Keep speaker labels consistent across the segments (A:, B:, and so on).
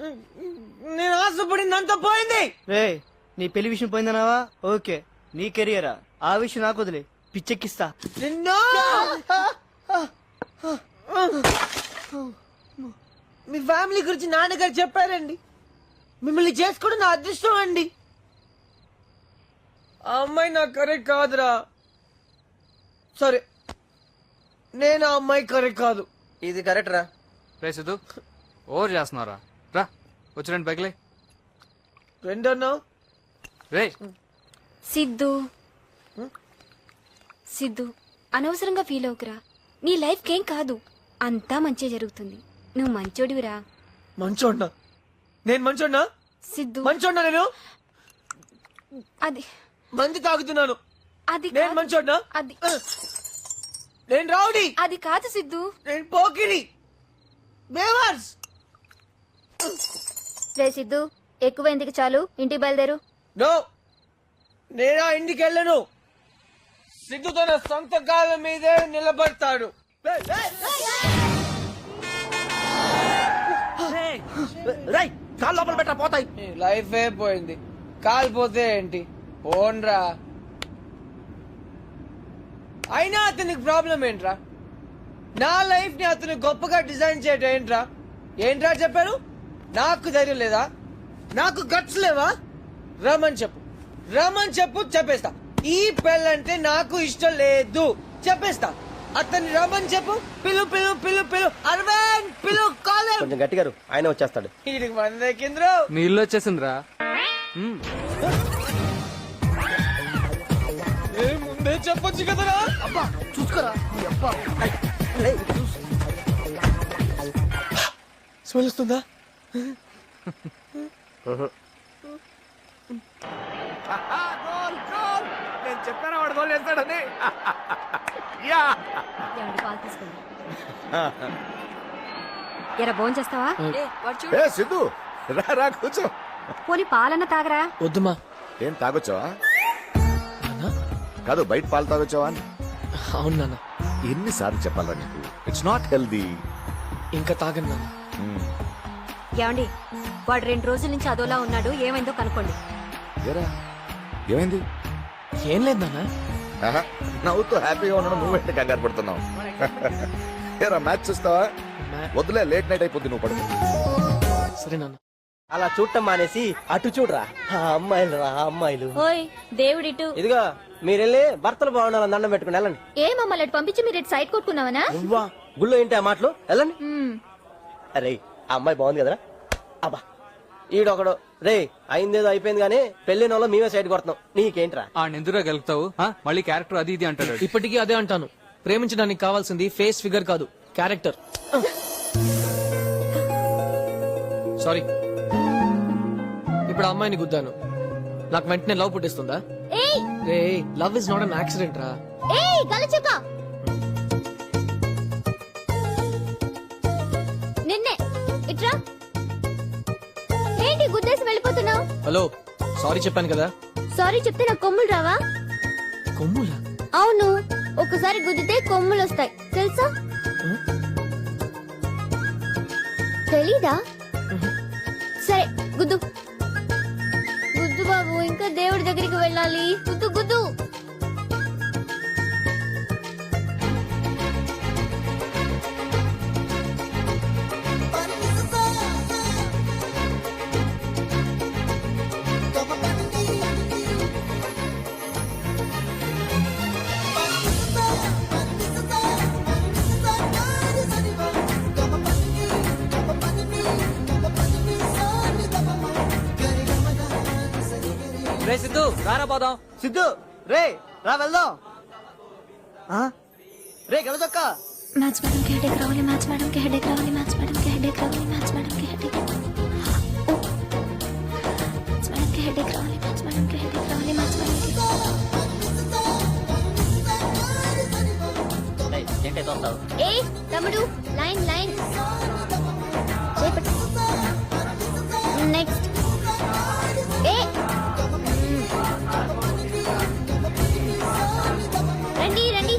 A: నేను ఆశపడిందంతా పోయింది.
B: రే నీ పెళ్లి విషయం పోయిందన్నావా? ఓకే, నీ కెరియరా? ఆ విషయం నాకు వదిలే, పిచ్చెక్కిస్తా
A: నిన్ను. మీ ఫ్యామిలీ గురించి నాన్నగారు చెప్పారండి. మిమ్మల్ని చేసుకోవడం నా అదృష్టం అండి. ఆ అమ్మాయి నాకు కరెక్ట్ కాదురా. సరే, నేను ఆ అమ్మాయి కరెక్ట్ కాదు.
C: ఇది కరెక్ట్ రా.
D: రే సిద్ధు, ఓవర్ చేస్తున్నారా? రా వచ్చి రండి బైక్లే.
A: రెండన్నా
D: రే
E: సిద్ధు సిద్ధు, అనవసరంగా ఫీల్ అవుకురా. నీ లైఫ్ కేం కాదు, అంతా మంచి జరుగుతుంది. నువ్వు మంచోడివిరా.
A: మంచోడ్నా? నేను మంచోడ్నా?
E: సిద్ధు
A: మంచోడ్నా? నేను
E: అది
A: మంది తాగుతున్నాను.
E: అది
A: నేను
E: కాదు.
A: మంచోడ్నా?
E: అది
A: నేను రౌడీ.
E: అది కాదు సిద్ధు.
A: నేను పోకిరి. బేవర్స్.
E: రే సిద్ధు, ఎక్కువైందికి చాలు, ఇంటికి బయలుదేరు.
A: నో, నేను ఆ ఇంటికి వెళ్ళను. సిద్ధు తన సొంత కాళ్ళ మీదే నిలబడతాడు.
C: రై కాళ్ళు లోపల పెట్టా పోతాయి.
A: లైఫ్ పోయింది, కాలిపోతే ఏంటి? ఓన్రా. అయినా అతనికి ప్రాబ్లం ఏంట్రా? నా లైఫ్ ని అతను గొప్పగా డిజైన్ చేయడం ఏంట్రా చెప్పాను? నాకు ధైర్యం లేదా? నాకు గట్స్ లేవా? రమని చెప్పు చెప్పేస్తా. ఈ పెళ్ళంటే నాకు ఇష్టం లేదు చెప్పేస్తా. అతన్ని రమని చెప్పు. పిలు పిలు పిలు పిలు అరవింద్ పిలు కాలర్.
C: కొంచెం గట్టిగారు, ఆయన వచ్చేస్తాడు.
A: వీడికి మంది ఎక్కింద్రు.
D: నీ ఇల్లు వచ్చేసిందిరా.
A: ముందే చెప్పొచ్చు కదరా.
B: అబ్బా చూసుకోరా.
A: స్మెల్ వస్తుందా?
C: నేను చెప్పాను వాడు గోల్ చేస్తాడని.
E: ఎరా భోజనం చేస్తావా?
F: ఏ సిద్ధు, రా రా కూర్చో.
E: పోనీ పాలన్న తాగరా.
A: వద్దుమా.
F: ఏం తాగొచ్చావా? కాదు, బయట పాలు తాగొచ్చావా?
A: అవును నాన్న.
F: ఎన్నిసార్లు చెప్పాలా నీకు? It's not healthy.
A: ఇంకా తాగను నాన్న.
E: ఏమండి, వాడు 2 రోజుల నుంచి అదోలా ఉన్నాడు, ఏమైందో కనుక్కోండి.
F: ఏరా ఏమైంది?
A: ఏం లేదు నాన్న.
F: ఆహా, నవ్వుతూ హ్యాపీగా ఉండడం నువ్వేంటి కంగారు పడుతున్నావు? ఏరా మ్యాచ్ చూస్తావా? వద్దులే, లేట్ నైట్ అయిపోద్ది, నువ్వు పడుకో.
A: సరే నాన్న.
C: అలా చూడటం మానేసి అటు చూడరా. అమ్మాయిలు రా అమ్మాయిలు.
E: ఓయ్ దేవుడిటు.
C: ఇదిగో మీరెళ్ళి భర్తలు బాగుండాలని దండం పెట్టుకుని వెళ్ళండి.
E: ఏ మమ్మల్ని పంపించి మీరు సైడ్ కొట్టుకున్నావనా?
C: నువ్వా? గుళ్ళో ఏంటి ఆ మాటలు? వెళ్ళండి. అరే ఆ అమ్మాయి బాగుంది కదరా. అబ్బా ఈడొకడు. రే అయిందేదో అయిపోయింది గానీ పెళ్లిన వాళ్ళు మేమే సైడ్ కొడుతున్నాం. నీకేంట్రా?
D: ఆ నిందురా గెలుపుతావు, మళ్ళీ క్యారెక్టర్ అది ఇది అంటాడు.
A: ఇప్పటికీ అదే అంటాను. ప్రేమించడానికి కావాల్సింది ఫేస్ ఫిగర్ కాదు, క్యారెక్టర్. సారీ. ఇప్పుడు ఆ అమ్మాయిని గుద్దాను, నాకు వెంటనే లవ్ పుట్టిస్తుందా? రే love is not an accident రా.
E: నిన్నే ఇట్రా. ఏంటి గుద్దేసి వెళ్ళిపోతున్నావు?
A: హలో, సారీ చెప్పాను కదా.
E: సారీ చెప్తే నాకు కొమ్ములు రావా?
A: కొమ్ములా?
E: అవును, ఒకసారి గుద్దితే కొమ్ములు వస్తాయి, తెలుసా? తెలీదా? సరే గుద్దు గుద్దు బాబు, ఇంకా దేవుడి దగ్గరికి వెళ్ళాలి. గుద్దు గుద్దు.
D: రే సిద్ధు, రారా పోదాం.
B: సిద్ధు రే రా వెళ్దాం. రే గెలచొక్క.
E: మ్యాథ్స్ మేడం కి హెడేక్ రావాలి, మ్యాథ్స్ మేడం కి హెడేక్ రావాలి, మ్యాథ్స్ మేడం కి హెడేక్ రావాలి, మ్యాథ్స్ మేడం కి హెడేక్ మ్యాథ్స్ మేడం కి హెడేక్ రావాలి, మ్యాథ్స్ మేడం కి హెడేక్ రావాలి, మ్యాథ్స్ మేడం కి.
B: ఏంటే తోస్తావు?
E: ఏ తమ్ముడు, లైన్ లైన్ నెక్స్ట్. ఏ రండి రండి.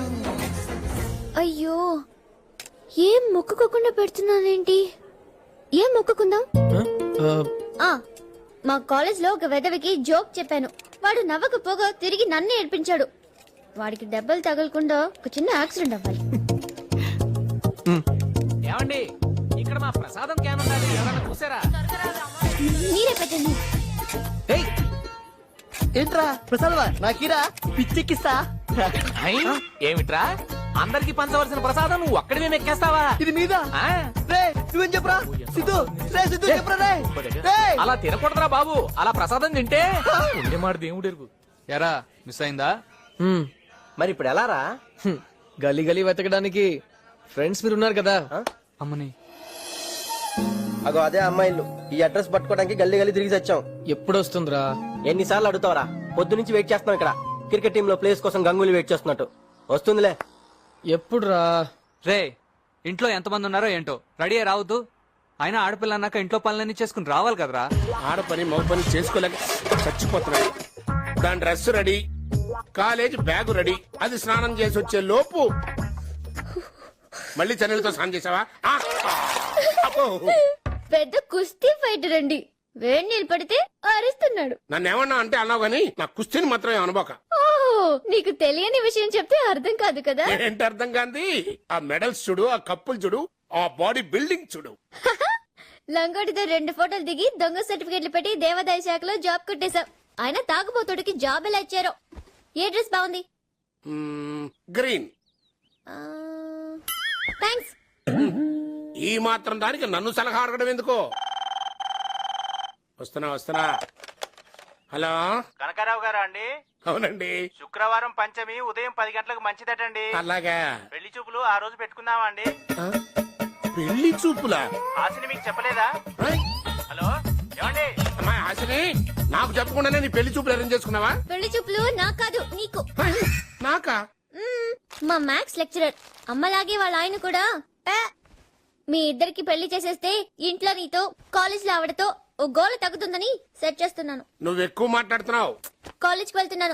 E: అయ్యో, ఏం మొక్కుకోకుండా పెడుతున్నానేంటి? ఏం మొక్కుకుందాం? ఆ, మా కాలేజ్ లో ఒక వెదవికి జోక్ చెప్పాను. వాడు నవ్వకపోగా తిరిగి నన్ను ఏడ్పించాడు. వాడికి దెబ్బలు తగలకుండా ఒక చిన్న యాక్సిడెంట్ అవ్వాలి.
G: ఏమండి ఇక్కడ మా ప్రసాదం క్యాన్ ఉండాలి, ఎవరైనా చూసారా?
E: మీరే పెట్టండి.
B: ఏయ్, ఏంట్రా ప్రసాదవా నాకీరా పిచ్చెక్కిస్తా.
G: ఏమిట్రా అందరికి పంచవలసిన ప్రసాదం నువ్వు ఒక్కడివే మెక్కేస్తావా?
B: ఇది మీద
G: ఆ?
B: రే నువ్వేం చెప్పరా సిద్ధు, రే సిద్ధు చెప్పరా రే. రేయ్.
G: అలా తినకూడదురా బాబు, అలా ప్రసాదం తింటే మాట దేవుడు ఎరుగు.
D: ఎరా మిస్ అయిందా?
C: మరి ఇప్పుడు ఎలా రా?
A: గలీ గలీ వెతకడానికి ఫ్రెండ్స్ మీరు ఉన్నారు కదా.
D: అమ్మని
C: అగో అదే అమ్మాయిలు. ఈ అడ్రస్ పట్టుకోవడానికి గల్లీ గల్లీ తిరిగి వచ్చాం.
A: ఎప్పుడు వస్తుందిరా?
C: ఎన్నిసార్లు అడుగుతావరా? పొద్దు నుంచి వెయిట్ చేస్తున్నాం ఇక్కడ. క్రికెట్ టీమ్ లో ప్లేస్ కోసం గంగూలీ వెయిట్ చేస్తున్నట్టు. వస్తుందిలే.
A: ఎప్పుడు రా?
D: రే ఇంట్లో ఎంతమంది ఉన్నారో ఏంటో రెడీ అయ్యి రావద్దు. అయినా ఆడపిల్ల అన్నాక ఇంట్లో పనులన్నీ చేసుకుని రావాలి కదరా.
H: ఆడపని మగ పని చేసుకోలేక చచ్చిపోతున్నాడు. దాని dress ready, college bag ready. అది స్నానం చేసి వచ్చే లోపు మళ్ళీ చెన్నెలతో స్నానం చేసావా? ఆ! అబ్బో!
E: పెద్ద కుస్తీ ఫైటర్ అండి. వేడి నీళ్ళు పడితే అరుస్తున్నాడు.
H: నన్ను ఏమన్నా అంటే అన్నావు గానీ నా కుస్తీని మాత్రం అనుకోక.
E: ఓ, నీకు తెలియని విషయం చెప్తే అర్థం కాదు కదా.
H: ఏంటి అర్థం కాంది? ఆ మెడల్స్ చూడు, ఆ కప్పులు చూడు, ఆ బాడీ బిల్డింగ్ చూడు.
E: లంగోటితో 2 ఫోటోలు దిగి దొంగ సర్టిఫికెట్లు పెట్టి దేవాదాయ శాఖలో జాబ్ కొట్టేశాం. ఆయన తాగుబోతుడికి జాబ్ ఎలా ఇచ్చారో. ఏ డ్రెస్ బాగుంది?
H: గ్రీన్.
E: థ్యాంక్స్.
H: ఈ మాత్రం దానికి నన్ను సలహా అడగడం ఎందుకో. వస్తున్నా. హలో,
I: కనకారావు గారా అండి?
H: అవునండి.
I: శుక్రవారం పంచమి ఉదయం 10 గంటలకు మంచిదటండి.
H: అలాగా?
I: పెళ్లి చూపులు ఆ రోజు పెట్టుకుందామా అండి?
H: ఆ? పెళ్లి చూపులా?
I: హాసిని మీకు చెప్పలేదా? హలో ఏమండి?
H: అమ్మాయి హాసిని, నాకు చెప్పకుండానే నీ పెళ్లి చూపులు అరేంజ్ చేసుకున్నావా?
E: పెళ్లి చూపులు నాకు కాదు, నీకు.
H: నాకా?
E: మా మ్యాథ్స్ లెక్చరర్ అమ్మలాగే వాళ్ళ ఆయన కూడా "పే, మీ ఇద్దరికి పెళ్లి చేసేస్తే ఇంట్లో నీతో కాలేజ్ లో ఆవిడతో ఓ గోల తగ్గుతుందని సెట్ చేస్తున్నాను.
H: నువ్వు ఎక్కువ మాట్లాడుతున్నావు.
E: కాలేజ్కి వెళ్తున్నాను.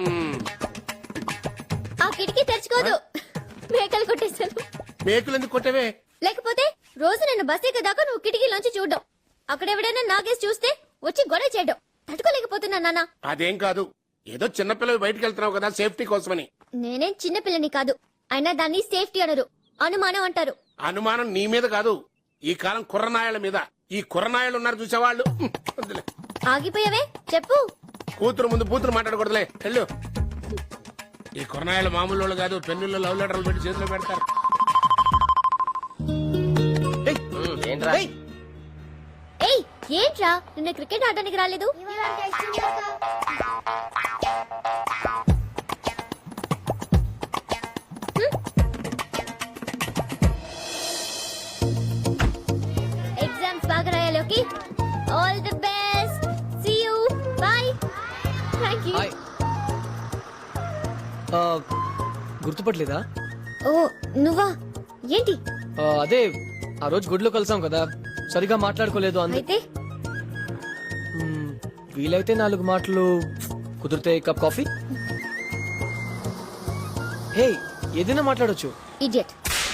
E: ఆ కిటికీ తెరుచుకోదు. మేకలు కొట్టేశాను.
H: మేకులు ఎందుకు కొట్టవే?
E: లేకపోతే రోజు నేను బస్ ఎక్కేదాకా నువ్వు కిటికీలోంచి చూడడం, అక్కడ ఎవడైనా నాగేసి చూస్తే వచ్చి గొడవ చేయడం తట్టుకోలేకపోతున్నా నాన్న.
H: అదేం కాదు, ఏదో చిన్నపిల్లలు బయటకు వెళ్తున్నావు కదా సేఫ్టీ కోసమని.
E: నేనేం చిన్నపిల్లని కాదు, అయినా దాన్ని సేఫ్టీ అనరు, అనుమానం అంటారు.
H: అనుమానం నీ మీద కాదు, ఈ కాలం కుర్రనాయల మీద. ఈ కుర్రనాయలు ఉన్నారు చూసేవాళ్ళు. వద్దులే.
E: ఆగిపోయావే చెప్పు.
H: కూతురు ముందు బూతులు మాట్లాడకూడదులే, వెళ్ళు. ఈ కుర్రనాయలు మామూలు వాళ్ళు కాదు, పెన్నుల్లో లవ్ లెటర్లు పెట్టి చేతిలో పెడతారు.
C: ఏంట్రా?
E: ఏయ్ ఏంట్రా, నిన్న క్రికెట్ ఆడడానికి రాలేదు? ఎగ్జామ్స్ బాగా రాయాలి. Okay, all the best. See you, bye. Thank you.
A: Hi. గుర్తుపట్టలేదా?
E: ఓ నువ్వా? ఏంటి?
A: అదే ఆ రోజు గుడిలో కలిసాం కదా, సరిగా మాట్లాడుకోలేదు.
E: అయితే
A: వీలైతే 4 మాటలు, కుదిరితే కప్ కాఫీ. హే, ఏదైనా మాట్లాడొచ్చు.
E: ఇడియట్.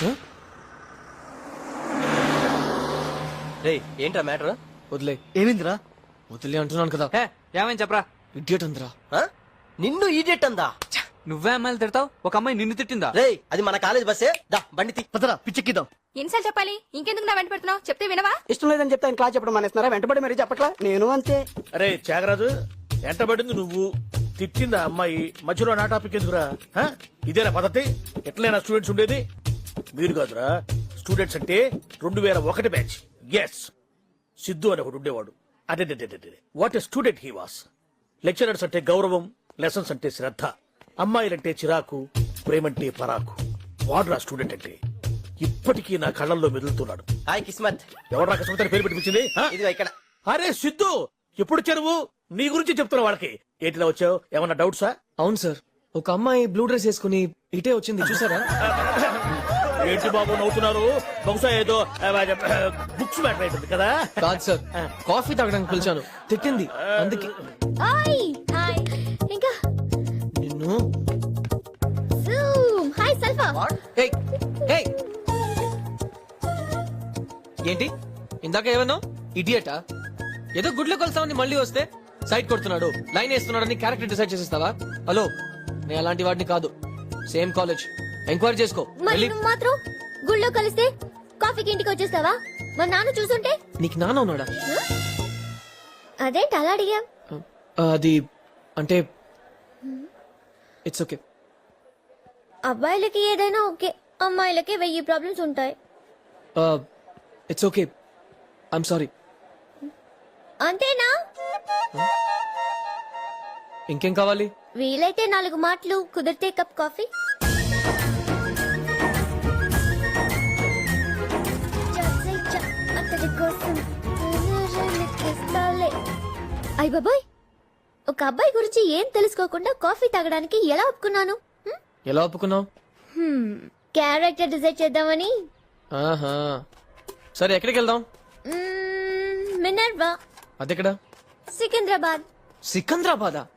C: రే ఏంట్రా మ్యాటర్?
A: వదిలే.
B: ఏమైందిరా?
A: వదిలే అంటున్నాను కదా.
D: హే ఏమని చెప్పరా?
A: ఇడియట్ అందరా.
C: నిన్ను ఈడియట్ అందా?
D: నువ్వే అమ్మాయిలు తిడతావు, ఒక అమ్మాయి నిన్ను తిట్టిందా?
C: రే అది మన కాలేజ్ బస్సే. దా బండి తీ.
B: పదరా పిచ్చెక్కిద్దాం.
E: ఎన్నిసార్లు చెప్పాలి? ఇంకెందుకు నా వెంట పెడుతున్నావు? చెప్తే వినవా?
J: ఇష్టం లేదని చెప్తే ఆయన క్లాస్ చెప్పడం మానేస్తున్నారా? వెంటబడి మరీ చెప్పట్లా? నేను అంతే.
K: అరే త్యాగరాజు, ఎంటబడింది నువ్వు, తిట్టిందా అమ్మాయి, మధ్యలో నా టాపిక్ ఎందుకురా? హ? ఇదేనా పద్ధతి? ఎట్లైనా స్టూడెంట్స్ ఉండేది? మీరు కాదురా, స్టూడెంట్స్ అంటే 2001 బ్యాచ్. ఎస్, సిద్ధు అని ఒకడు ఉండేవాడు. అదే what a student he was. Lecturers అంటే గౌరవం, లెసన్స్ అంటే శ్రద్ధ, అమ్మాయిలంటే చిరాకు, ప్రేమంటే పరాకు. వాడురా స్టూడెంట్ అంటే. ఇప్పటికీ నా కళ్ళల్లో మెదులుతున్నాడు.
C: హాయ్ కిస్మత్.
K: ఎవరు కిస్మత్ పేరు పెట్టించింది?
C: ఇదిగో ఇక్కడ.
K: అరే సిద్ధు, ఎప్పుడు చెరువు నీ గురించి చెప్తున్నా వాళ్ళకి. ఏంటిలా వచ్చావు? ఏమన్నా డౌట్సా?
A: అవును సార్, ఒక అమ్మాయి బ్లూ డ్రెస్ వేసుకుని ఇటే వచ్చింది, చూసారా?
K: ఏంటి బాబు నవ్వుతున్నారు? బహుశా ఏదో బుక్స్ మ్యాటర్ అవుతుంది కదా.
A: కాదు సార్, కాఫీ తాగడానికి పిలిచాను, తిట్టింది అందుకే.
E: Hi hi. ఇంకా
A: నిన్ను.
E: జూమ్. హాయ్ సల్ఫా.
A: ఏయ్, ఏయ్. ఏంటి
G: ఇందాక ఏమన్నా ఇడియటా ఏదో గుడ్లో కొలుస్తామని మళ్ళీ వస్తే సైట్ కొడుతున్నాడు లైన్ వేస్తున్నాడని క్యారెక్టర్ డిసైడ్ చేసేస్తావా? హలో నేను అలాంటి వాడిని కాదు. సేమ్ కాలేజ్, ఎంక్వైరీ చేసుకో.
E: మరి
G: వెళ్ళి
E: నువ్వు మాత్రం గుళ్ళో కలిస్తే కాఫీకి ఇంటికి వచ్చేస్తావా? మా నాన్న చూసుంటే
G: నీకు నాన్న ఉన్నాడా?
E: అదేంటి అలా అడిగా?
G: అది అంటే ఇట్స్ ఓకే.
E: అబ్బాయిలకి ఏదైనా ఓకే, అమ్మాయిలకి 1000 ప్రాబ్లమ్స్ ఉంటాయి.
G: It's okay, I'm sorry.
E: అంతేనా?
G: ఇంకేం కావాలి?
E: వీలైతే 4 మాటలు, కుదిరితే కప్ కాఫీ. అతడి కోసం అయ్ బాబాయ్, ఒక అబ్బాయి గురించి ఏం తెలుసుకోకుండా కాఫీ తాగడానికి ఎలా ఒప్పుకున్నాను?
G: ఎలా ఒప్పుకున్నావు?
E: క్యారెక్టర్ డిసైడ్ చేద్దామని.
G: ఆహా, సరే ఎక్కడికి వెళ్దాం?
E: మినర్వా,
G: అదెక్కడ?
E: సికింద్రాబాద్.
G: సికంద్రాబాదా?